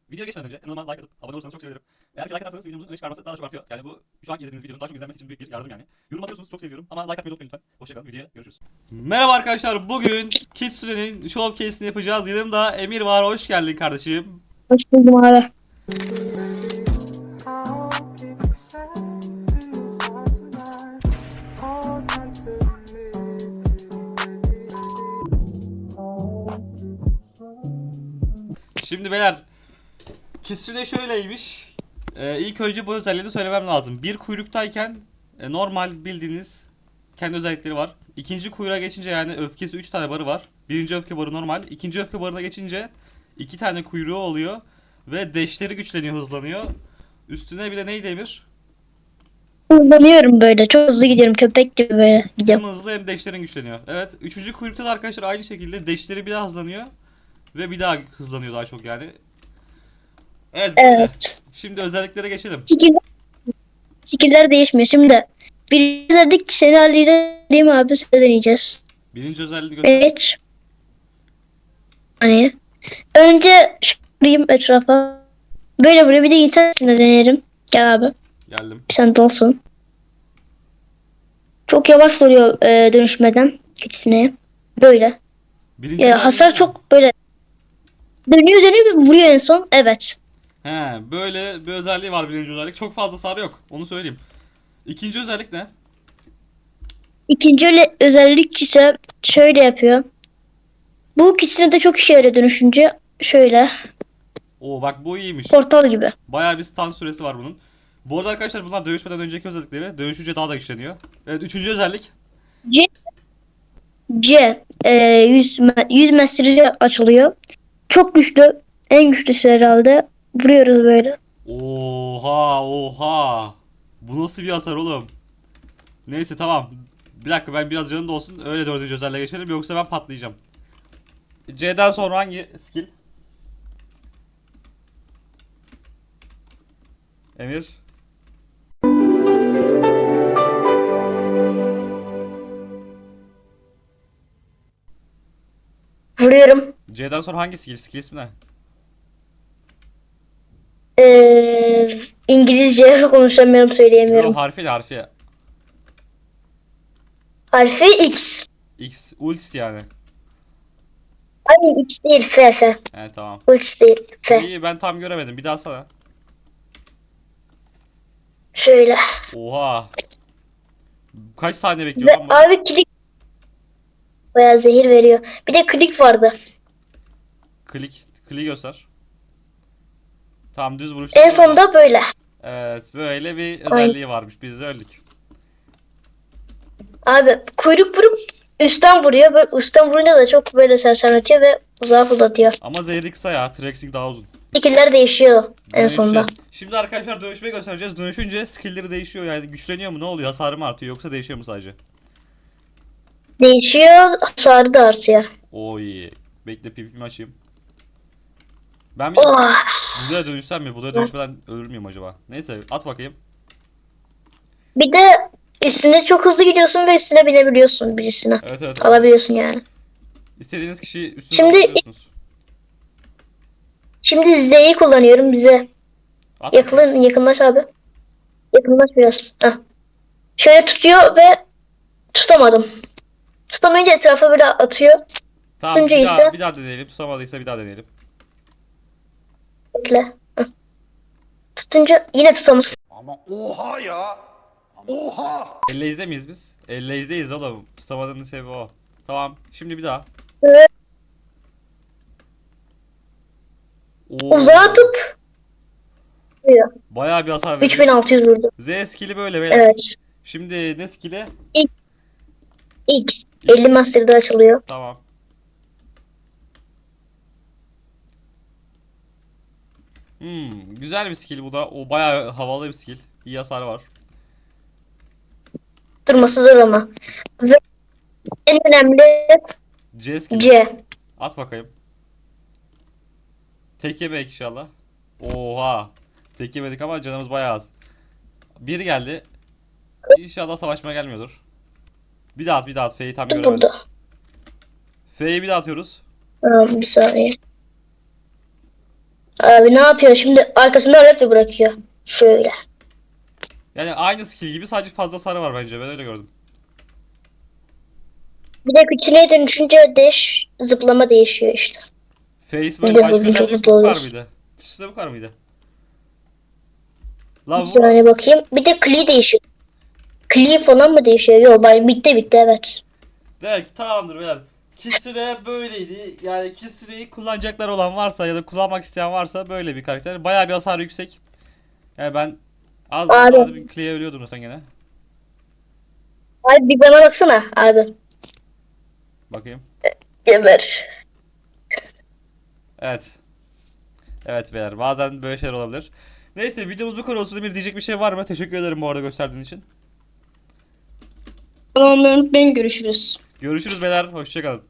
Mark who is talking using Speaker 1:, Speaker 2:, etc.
Speaker 1: Videoya geçmeden önce kanalıma like atıp abone olursanız çok sevinirim. Eğer ki like atarsanız videomuzun öne çıkarması daha da çok artıyor. Yani bu şu anki izlediğiniz videonun daha çok izlenmesi için büyük bir yardım yani. Yorum atıyorsunuz çok seviyorum ama like atmayı unutmayın lütfen. Hoşçakalın, videoya görüşürüz. Merhaba arkadaşlar, bugün Kitsune'nin showcase'ini yapacağız. Yanımda Emir var, hoş geldin kardeşim.
Speaker 2: Hoş buldum abi.
Speaker 1: Şimdi beyler, Kitsune şöyleymiş. İlk önce bu özelliğini söylemem lazım. Bir kuyruktayken normal bildiğiniz kendi özellikleri var. İkinci kuyruğa geçince yani öfkesi 3 tane barı var. Birinci öfke barı normal. İkinci öfke barına geçince 2 tane kuyruğu oluyor. Ve deşleri güçleniyor, hızlanıyor. Üstüne bir de neydi Emir?
Speaker 2: Hızlanıyorum böyle. Çok hızlı gidiyorum. Köpek gibi böyle
Speaker 1: Hem
Speaker 2: gidiyorum.
Speaker 1: hızlı hem deşlerin güçleniyor. Evet. Üçüncü kuyrukta da arkadaşlar aynı şekilde deşleri bir daha hızlanıyor. Ve bir daha hızlanıyor daha çok yani. Evet böyle.
Speaker 2: Evet.
Speaker 1: Şimdi özelliklere geçelim.
Speaker 2: Şekiller değişmiyor. Şimdi bir dedik seni halledeyim abi. Sen deneyeceğiz.
Speaker 1: Birinci özelliğini göster.
Speaker 2: Evet. Hani önce şurayım etrafa. Böyle buraya bir de internetinde deneyelim. Gel abi.
Speaker 1: Geldim.
Speaker 2: Sen de olsun. Çok yavaş oluyor dönüşmeden. Küçüğüne. Böyle.
Speaker 1: Birinci özelliği
Speaker 2: Hasar
Speaker 1: değil mi?
Speaker 2: çok böyle dönüyor ve vuruyor en son. Evet.
Speaker 1: He, böyle bir özelliği var birinci özellik. Çok fazla sarı yok. Onu söyleyeyim. İkinci özellik ne?
Speaker 2: İkinci özellik ise şöyle yapıyor. Bu ikisine de çok işe yarıyor dönüşünce. Şöyle.
Speaker 1: Oo bak bu iyiymiş.
Speaker 2: Portal gibi.
Speaker 1: Bayağı bir stun süresi var bunun. Bu arada arkadaşlar bunlar dövüşmeden önceki özellikleri. Dönüşünce daha da güçleniyor. Evet, üçüncü özellik.
Speaker 2: C, C 100 metrede açılıyor. Çok güçlü. En güçlüsü herhalde. Vuruyoruz böyle.
Speaker 1: Oha oha. Bu nasıl bir hasar oğlum? Neyse tamam. Bir dakika, ben biraz canım da olsun. Öyle dördüncü özelliğe geçelim, yoksa ben patlayacağım. C'den sonra hangi skill? Emir.
Speaker 2: Vuruyorum.
Speaker 1: C'den sonra hangi skill? Skill ismi ne?
Speaker 2: İngilizce konuşamıyorum,
Speaker 1: Yo,
Speaker 2: söyleyemiyorum.
Speaker 1: harfi.
Speaker 2: Harfi X.
Speaker 1: X. Ultis yani.
Speaker 2: Ay, X değil, F, F.
Speaker 1: He tamam.
Speaker 2: X değil, F.
Speaker 1: İyi, ben tam göremedim. Bir daha sana.
Speaker 2: Şöyle.
Speaker 1: Oha. Kaç saniye bekliyor
Speaker 2: Ve
Speaker 1: lan bu?
Speaker 2: abi klik bayağı zehir veriyor. Bir de klik vardı.
Speaker 1: Klik göster. Tamam, düz vuruşta
Speaker 2: En
Speaker 1: böyle.
Speaker 2: sonunda böyle.
Speaker 1: Evet, böyle bir
Speaker 2: Ay.
Speaker 1: özelliği varmış. Biz de öldük.
Speaker 2: Abi kuyruk vurup üstten vuruyor. Böyle üstten vurunca da çok böyle sersemletiyor ve uzağa fırlatıyor.
Speaker 1: Ama zehri kısa ya. Trexing daha uzun.
Speaker 2: Şekiller değişiyor en sonunda.
Speaker 1: Dönüşeceğiz. Şimdi arkadaşlar dönüşmeyi göstereceğiz. Dönüşünce skill'leri değişiyor. Yani güçleniyor mu, ne oluyor? Hasarı mı artıyor yoksa değişiyor mu sadece?
Speaker 2: Değişiyor, hasarı da artıyor.
Speaker 1: Oy. Bekle, PvP'mi açayım. Ben bir
Speaker 2: Oh.
Speaker 1: Buda'ya dönüşsem mi? Buda'ya dönüşmeden ölür müyüm acaba? Neyse, at bakayım.
Speaker 2: Bir de üstüne çok hızlı gidiyorsun ve üstüne binebiliyorsun birisine.
Speaker 1: Evet.
Speaker 2: Alabiliyorsun yani.
Speaker 1: İstediğiniz kişiyi üstünüze
Speaker 2: Şimdi
Speaker 1: alabiliyorsunuz.
Speaker 2: şimdi Z'yi kullanıyorum bize.
Speaker 1: At bakayım.
Speaker 2: Yakınlaş abi. Yakınlaş biraz. Heh. Şöyle tutuyor ve tutamadım. Tutamayınca etrafa böyle atıyor.
Speaker 1: Tamam,
Speaker 2: Tutunca
Speaker 1: bir daha
Speaker 2: ise
Speaker 1: bir daha deneyelim. Tutamadıysa bir daha deneyelim.
Speaker 2: bekle. Heh. Tutunca yine tutamadım.
Speaker 3: Ama oha ya. Oha.
Speaker 1: Elleyiz'de miyiz biz? Elleyiz'deyiz oğlum. Tutamadığının sebebi o. Tamam. Şimdi bir daha.
Speaker 2: Ve
Speaker 1: Oo.
Speaker 2: uzağa atıp vuruyor.
Speaker 1: Bayağı bir hasar veriyor.
Speaker 2: 3600 vurdu.
Speaker 1: Z skill'i böyle beyler.
Speaker 2: Evet.
Speaker 1: Şimdi ne skill'i?
Speaker 2: X. 50 Master'da açılıyor.
Speaker 1: Tamam. Güzel bir skill bu da. O bayağı havalı bir skill. İyi hasar var.
Speaker 2: Durması zor ama. Ve en önemli
Speaker 1: C skill'i.
Speaker 2: C.
Speaker 1: At bakayım. Tek yemek inşallah. Oha. Tek yemedik ama canımız bayağı az. Biri geldi. İnşallah savaşmaya gelmiyordur. Bir daha at. F'yi tam göremedim.
Speaker 2: Burada.
Speaker 1: F'yi bir daha atıyoruz.
Speaker 2: Tamam, bir saniye. Abi ne yapıyor şimdi? Arkasında laptop bırakıyor. Şöyle.
Speaker 1: Yani aynı skill gibi sadece fazla sarı var bence. Ben öyle gördüm.
Speaker 2: Bir de küçüğe dönüşünce zıplama değişiyor işte.
Speaker 1: Face
Speaker 2: Bir
Speaker 1: böyle
Speaker 2: de
Speaker 1: başka
Speaker 2: hızlı, çok
Speaker 1: özelliği yok
Speaker 2: hızlı
Speaker 1: mu? Bu kadar
Speaker 2: oluyorsun.
Speaker 1: mıydı? İkisi de bu kadar mıydı? La
Speaker 2: Bir
Speaker 1: bu
Speaker 2: saniye bakayım. Bir de Klee değişiyor. Klee falan mı değişiyor? Yok bitti evet.
Speaker 1: demek ki tamamdır beyler. Kitsune böyleydi. Yani Kitsune'yi kullanacaklar olan varsa ya da kullanmak isteyen varsa böyle bir karakter. Bayağı bir hasar yüksek. Yani ben az
Speaker 2: Abi.
Speaker 1: daha bir Klee'ye ölüyordum zaten gene.
Speaker 2: Abi bir bana baksana abi.
Speaker 1: Bakayım.
Speaker 2: Geber.
Speaker 1: Evet. Evet beyler bazen böyle şeyler olabilir. Neyse videomuz bu kadar olsun. Emir diyecek bir şey var mı? Teşekkür ederim bu arada gösterdiğin için.
Speaker 2: Tamam unutmayın görüşürüz.
Speaker 1: Görüşürüz beyler. Hoşçakalın.